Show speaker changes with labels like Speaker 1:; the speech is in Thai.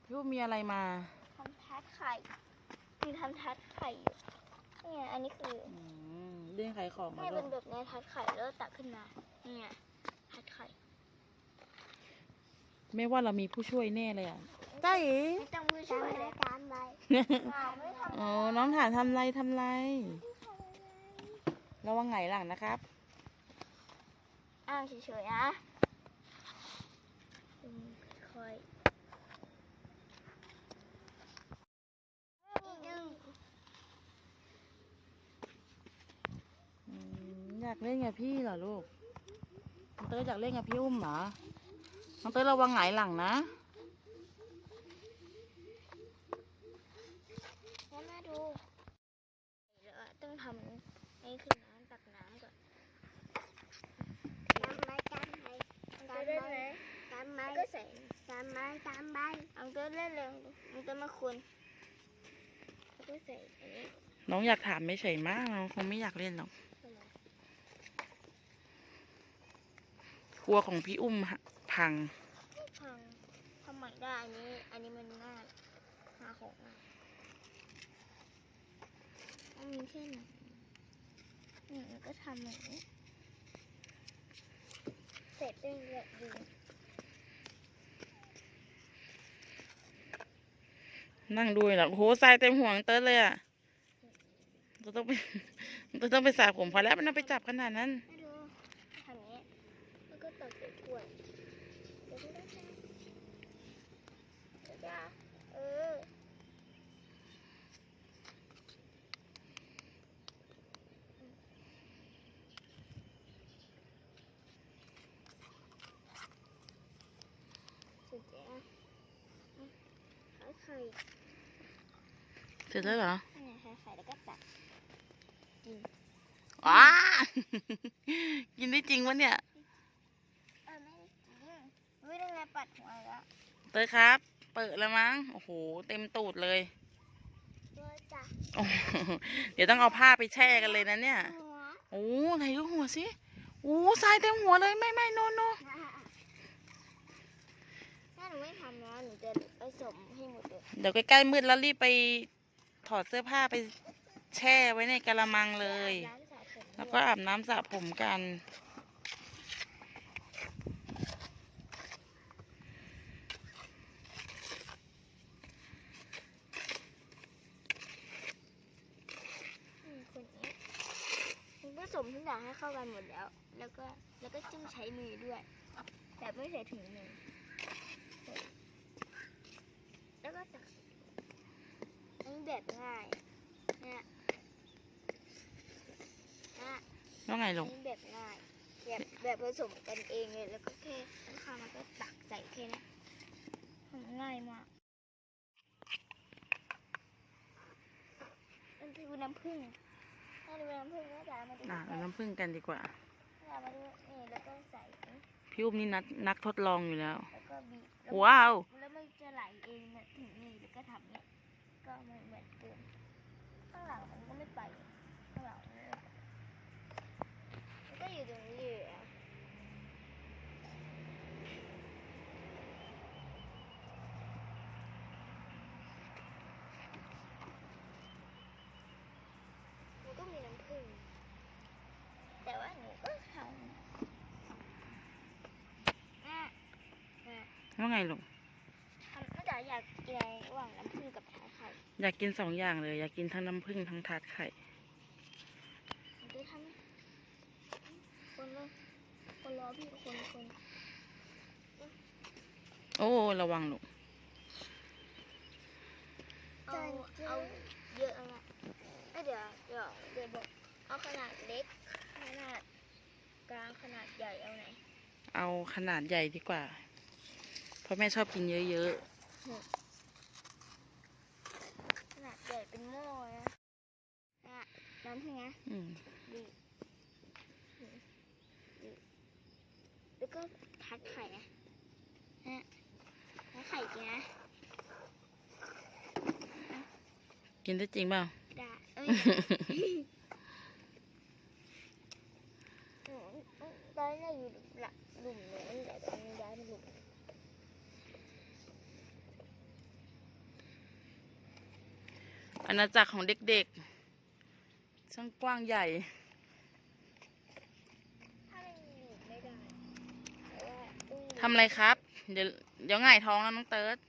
Speaker 1: รูปมีอะไรมา
Speaker 2: ทำทาร์ตไข่มีทำทาร์ตไข่อยู่เนี่ยอันนี้คือ
Speaker 1: เรื่องขายของ
Speaker 2: เนี่ยเป็นแบบในทาร์ตไข่แล้วตักขึ้นมาเนี่ยทาร์ตไข่
Speaker 1: ไม่ว่าเรามีผู้ช่วยแน่เลยอ่ะใช่
Speaker 2: ไม่ต้องผู้ช่วยเลยตามไปไม่ทำ
Speaker 1: อ๋อน้องถามทำไรระวังไงหลังนะครับ
Speaker 2: อ้างเฉยๆนะค่อย
Speaker 1: อยากเล่นกับพี่เหรอลูกน้องเต้ยอยากเล่นกับพี่อุ้มเหรอน้องเต้ยระวังไงหลังนะ
Speaker 2: แล้วมาดูแล้วต้องทำให้ขึ้นน้ำตักน้ำก่อนตามไม้ก็ใส่ตามไม้เอาตัวเล่นเร็วเอาตัวมาคุณแล้วก็ใส่อันนี้
Speaker 1: น้องอยากถามไม่เฉยมากน้องคงไม่อยากเล่นหรอกครัวของพี่อุ้มพัง
Speaker 2: ทำใหม่ได้อันนี้มันง่ายหาของมันมีแค่ไหนนี่แล้วก็ทำอย่างนี้เสร็จได้เลยดี
Speaker 1: นั่งดูหรอโอ้โหทรายเต็มหัวเต้ยเลยอ่ะเราต้องไปสระผมพอแล้วไม่ต้องไปจับขนาดนั้น
Speaker 2: ไม่ดูทำอย่างนี้แล้วก็ตักใส่ถ้วยเดี๋ยวก็ได้จ้าเสร็จแล้วไข่
Speaker 1: เสร็จแล้วเหรอ
Speaker 2: ไข่แล้วก็ตักกิน
Speaker 1: ว้า กินได้จริงวะเนี่ย
Speaker 2: ไม่จริงวิธีไงปัดหัวแล้ว
Speaker 1: เต้ยครับ เปิดแล้วมั้งโอ้โหเต็มตูดเลยโอ้เดี๋ยวต้องเอาผ้าไปแช่กันเลยนะเนี่ยโอ้ไหนดูหัวสิโอ้ทรายเต็มหัวเลยไม่โน
Speaker 2: ถ้าหนูไม่ทำนะหนูจะผสมให้หมดเลย
Speaker 1: เดี๋ยวใกล้ๆมืดแล้วรีบไปถอดเสื้อผ้าไปแช่ไว้ในกะละมังเลยแล้วก็อาบน้ำสระผมกัน
Speaker 2: ผสมทุกอย่างให้เข้ากันหมดแล้วแล้วก็จิ้มใช้มือด้วยแบบไม่ใส่ถุงมือแล้วก็ตักอันนี้แบบง่ายเนี่ย
Speaker 1: แล้วไงลง
Speaker 2: แบบง่ายแบบผสมกันเองเลยแล้วก็แค่ข้าวมันก็ตักใส่แค่นี้ทำง่ายมากมันคือน้ำผึ้งถ้าดูน้ำผึ้งก็จะมาดู
Speaker 1: เอาน้ำผึ้งกันดีกว่า
Speaker 2: มาดูนี่แล้วก็ใส่
Speaker 1: พี่อุ้มนี่นักทดลองอยู่แล้ว
Speaker 2: แล้วก็บีบ
Speaker 1: ว้าว
Speaker 2: แล้วมันจะไหลเองถึงนี่แล้วก็ทำนี้ก็เหมือนเดิมข้างหลังมันก็ไม่ไปข้างหลังมันก็อยู่ตรงนี้อยู่มันก็มีน้ำผึ้งแต่ว่าหนูก็ทำ
Speaker 1: ว่าไงลุง
Speaker 2: น่าจะอยากกินอะไรระหว่างน้ำผึ้งกับทาร์ตไข่
Speaker 1: อยากกิน2 อย่างเลยอยากกินทั้งน้ำผึ้งทั้งทาร์ตไข่
Speaker 2: จะทำคนรอพี่คน
Speaker 1: โอ้ระวังลูก
Speaker 2: เอาเยอะนะเดี๋ยวบอกเอาขนาดเล็กขนาดกลางขนาดใหญ่เอาไหน
Speaker 1: เอาขนาดใหญ่ดีกว่าเพราะแม่ชอบกินเยอะ
Speaker 2: ขนาดใหญ่เป็นหม้อนะน้ำใช่ไหมดีแล้วก็ทัดไข่นะทัดไข่กินนะ
Speaker 1: กินได้จริงเปล่า
Speaker 2: ได้ตอนนี้อยู่หลุมนู้นแต่ตอนนี้ย้ายมาหลุม
Speaker 1: อาณาจักรของเด็กๆช่างกว้างใหญ่
Speaker 2: ถ้ามันอยู่ไม่ได้เพราะว่ากุ้ง
Speaker 1: ทำอะไรครับ เดี๋ยวหงายท้องแล้วน้องเติร์ด